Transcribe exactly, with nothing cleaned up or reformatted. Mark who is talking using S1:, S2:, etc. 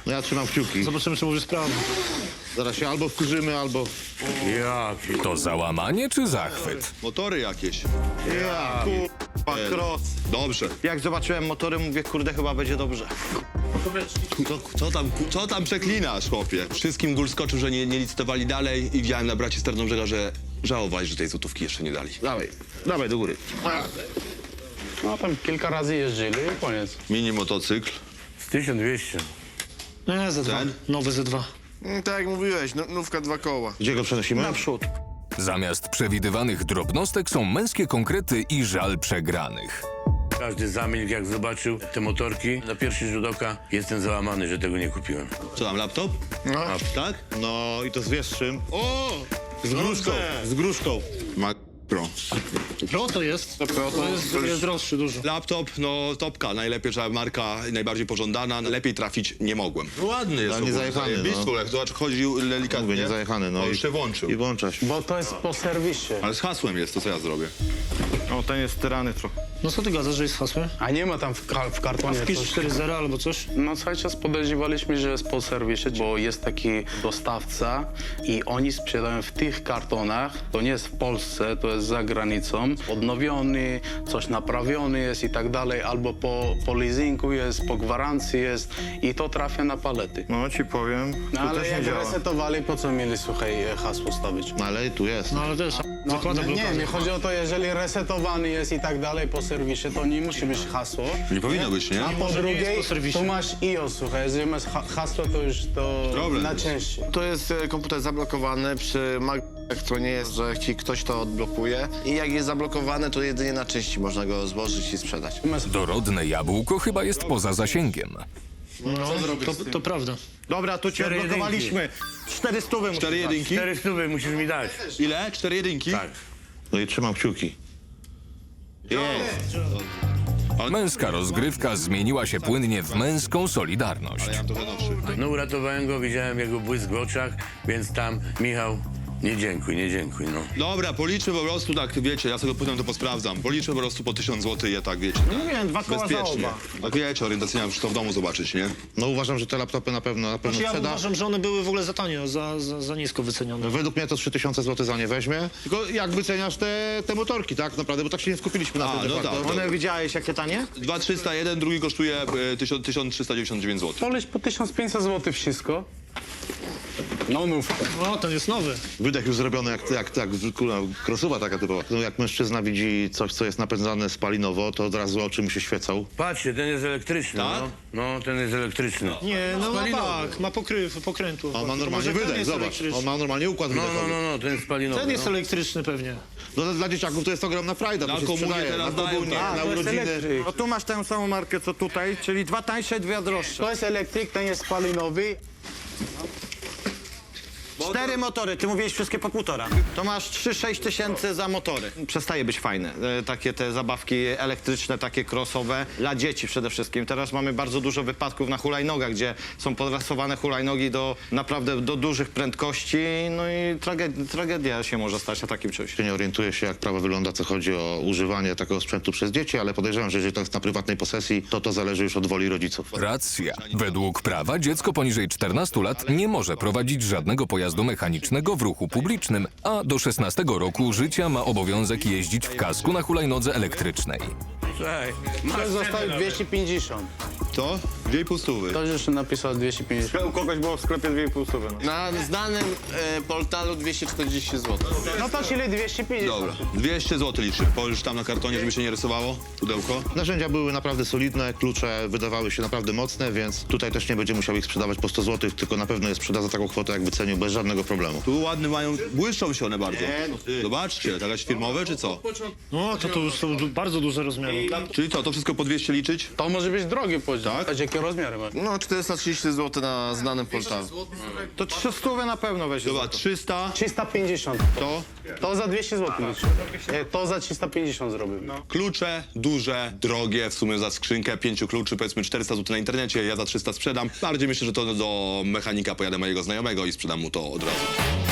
S1: No ja trzymam kciuki.
S2: Zobaczymy, czy mówisz prawdę.
S1: Zaraz się albo wkurzymy, albo...
S3: Jaki?
S4: To załamanie czy zachwyt?
S5: Motory jakieś.
S1: Ja, kurwa, cross.
S5: Dobrze.
S1: Jak zobaczyłem motory, mówię, kurde, chyba będzie dobrze.
S5: Co, co, tam, co tam przeklinasz, chłopie? Wszystkim gól skoczył, że nie, nie licytowali dalej i widziałem na braci z Tarnobrzega, że żałowali, że tej złotówki jeszcze nie dali.
S1: Dawaj, dawaj do góry.
S6: No tam kilka razy jeździli i koniec.
S5: Mini motocykl.
S6: Z tysiąc dwieście.
S2: Nie, Z dwa.
S5: Ten?
S2: Nowy Z dwa.
S7: Mm, Tak jak mówiłeś, no, nówka dwa koła.
S1: Gdzie go przenosimy?
S2: Naprzód.
S4: Zamiast przewidywanych drobnostek są męskie konkrety i żal przegranych.
S6: Każdy zamilkł, jak zobaczył te motorki. Na pierwszy rzut oka jestem załamany, że tego nie kupiłem.
S5: Co tam, laptop?
S7: No.
S5: A, tak?
S1: No i to z wieszczym.
S5: O!
S1: Z gruszką, z gruszką.
S5: Mac Pro.
S2: Pro to jest.
S7: To Pro to
S2: jest,
S7: to już-
S2: jest droższy dużo.
S5: Laptop, no topka, najlepsza marka, najbardziej pożądana. Lepiej trafić nie mogłem. Ładny jest.
S1: Ale nie zajechany, no.
S5: no. Zobacz, chodził delikatnie.
S1: Mówię, nie zajechany, no.
S5: O,
S1: i-
S5: jeszcze włączył.
S1: I włącza się.
S6: Bo to jest po serwisie.
S5: Ale z hasłem jest, to co ja zrobię?
S1: O, ten jest tyrany trochę.
S2: No co ty gadasz, że jest hasłem?
S6: A nie ma tam w, ka w kartonie
S2: Wpisz
S6: coś.
S2: cztery zero albo coś?
S6: No cały czas podejrzewaliśmy, że jest po serwisie, bo jest taki dostawca i oni sprzedają w tych kartonach. To nie jest w Polsce, to jest za granicą. Odnowiony, coś naprawiony jest i tak dalej, albo po, po leasingu jest, po gwarancji jest i to trafia na palety.
S1: No ci powiem,
S6: No,
S1: to
S6: ale
S1: też nie
S6: jak
S1: działa.
S6: resetowali, po co mieli, słuchaj, hasło stawić?
S1: No ale tu jest.
S2: No ale też
S6: No,
S2: zakłada
S6: nie,
S2: blokadę.
S6: mi chodzi o to, jeżeli resetowany jest i tak dalej po serwisie, to nie musi być hasło.
S5: Nie powinno być, nie?
S6: A po
S2: Może nie jest
S6: drugiej,
S2: po serwisie.
S6: tu masz I O S, słuchaj, jeżeli masz ha hasło, to już to
S5: Problem
S6: na
S5: jest.
S6: częściej.
S7: To jest e, komputer zablokowany przy Macach, to nie jest, że ci ktoś to odblokuje. I jak jest zablokowany, to jedynie na części można go złożyć i sprzedać.
S4: Dorodne jabłko chyba jest poza zasięgiem.
S2: No, to, to prawda.
S1: Dobra, tu cię odblokowaliśmy. Cztery stówy musisz
S5: Cztery
S1: dać.
S5: jedynki?
S6: Cztery stówy musisz mi dać.
S5: Ile? Cztery jedynki?
S6: Tak.
S1: No i trzymam kciuki.
S4: Męska rozgrywka zmieniła się płynnie w męską solidarność.
S5: Ja mam trochę nowszy.
S6: No uratowałem go, widziałem jego błysk w oczach, więc tam, Michał, nie dziękuj, nie dziękuj, no.
S5: Dobra, policzmy po prostu tak, wiecie, ja sobie potem to posprawdzam. Policzmy po prostu po tysiąc złotych je tak, wiecie.
S1: No mówiłem, dwa koła za
S5: Bezpiecznie.
S1: oba.
S5: Tak wiecie, orientacyjnie muszę to w domu zobaczyć, nie?
S1: No uważam, że te laptopy na pewno, na pewno
S2: Znaczy, ja
S1: sprzeda.
S2: uważam, że one były w ogóle za tanio, za, za, za nisko wycenione.
S1: Według mnie to trzy tysiące złotych za nie weźmie. Tylko jak wyceniasz te, te motorki, tak naprawdę, bo tak się nie skupiliśmy na
S5: A,
S1: tym.
S5: no
S1: de facto.
S5: tak,
S1: One
S5: tak.
S1: widziałeś jakie tanie?
S5: dwa tysiące trzysta jeden, drugi kosztuje e, tysiąc trzysta dziewięćdziesiąt dziewięć złotych.
S6: Poleć po tysiąc pięćset złotych wszystko. No nówka.
S2: No, ten jest nowy.
S1: Wydech już zrobiony jak, jak, jak kurwa, krosuwa taka typowa. No, jak mężczyzna widzi coś, co jest napędzane spalinowo, to od razu oczy mu się świecą.
S6: Patrzcie, ten jest elektryczny,
S5: Tak?
S6: no. No, ten jest elektryczny.
S2: Nie, no ma tak, ma pokryw, pokrętło.
S1: On ma
S2: To
S1: normalnie
S2: może ten
S1: wydech,
S2: jest
S1: zobacz.
S2: elektryczny.
S1: On ma normalnie układ
S6: No, no,
S1: wydechowy.
S6: no, no, ten jest spalinowy.
S2: Ten jest
S6: no.
S2: elektryczny pewnie.
S1: No, dla dzieciaków to jest ogromna frajda,
S5: Na
S1: to się
S5: komunię
S1: sprzedaje,
S5: teraz
S1: na
S5: dają,
S1: komunię,
S5: tak.
S1: na
S6: to jest
S1: urodziny.
S6: elektryk.
S8: No tu masz tę samą markę co tutaj, czyli dwa tańsze, dwie droższe.
S6: To jest elektryk, ten jest spalinowy.
S8: Cztery motory, ty mówiłeś wszystkie po półtora. To masz trzy sześć tysięcy za motory. Przestaje być fajne. E, takie te zabawki elektryczne, takie crossowe, dla dzieci przede wszystkim. Teraz mamy bardzo dużo wypadków na hulajnogach, gdzie są podrasowane hulajnogi do naprawdę do dużych prędkości, no i tragedia, tragedia się może stać na takim czymś.
S1: Nie orientuję się, jak prawo wygląda, co chodzi o używanie takiego sprzętu przez dzieci, ale podejrzewam, że jeżeli to jest na prywatnej posesji, to to zależy już od woli rodziców.
S4: Racja. Według prawa dziecko poniżej czternastu lat nie może prowadzić żadnego pojazdu mechanicznego w ruchu publicznym, a do szesnastego roku życia ma obowiązek jeździć w kasku na hulajnodze elektrycznej.
S6: Słuchaj, masz zostały dwieście pięćdziesiąt.
S5: To? Dwie i pół stówy.
S6: Ktoś jeszcze napisał dwieście pięćdziesiąt.
S8: U kogoś było w sklepie dwie i pół stówy. No.
S7: Na znanym e, portalu dwieście czterdzieści złotych.
S6: No to czyli dwieście pięćdziesiąt.
S5: Dobra, dwieście złotych liczy. Położysz tam na kartonie, żeby się nie rysowało, pudełko.
S1: Narzędzia były naprawdę solidne, klucze wydawały się naprawdę mocne, więc tutaj też nie będzie musiał ich sprzedawać po sto złotych, tylko na pewno je sprzeda za taką kwotę, jak wycenił, bez żadnego problemu.
S5: Tu ładne mają, błyszczą się one bardzo. Zobaczcie, jakaś firmowe czy co?
S2: No, to, to już są du- bardzo duże rozmiary.
S5: Czyli co, to wszystko po dwieście liczyć?
S6: To może być drogi poziom.
S5: Tak?
S6: Patrz, jakie rozmiary ma.
S7: No, czterysta trzydzieści złotych na znanym portalu.
S8: To trzy stówy na pewno weź.
S5: Dobra, trzysta,
S6: trzysta pięćdziesiąt.
S5: to
S6: To za dwieście złotych. Nie, to za trzysta pięćdziesiąt zrobił.
S5: klucze, duże, drogie, w sumie za skrzynkę pięciu kluczy, powiedzmy czterysta złotych na internecie, ja za trzysta sprzedam. Bardziej myślę, że to do mechanika pojadę mojego znajomego i sprzedam mu to od razu.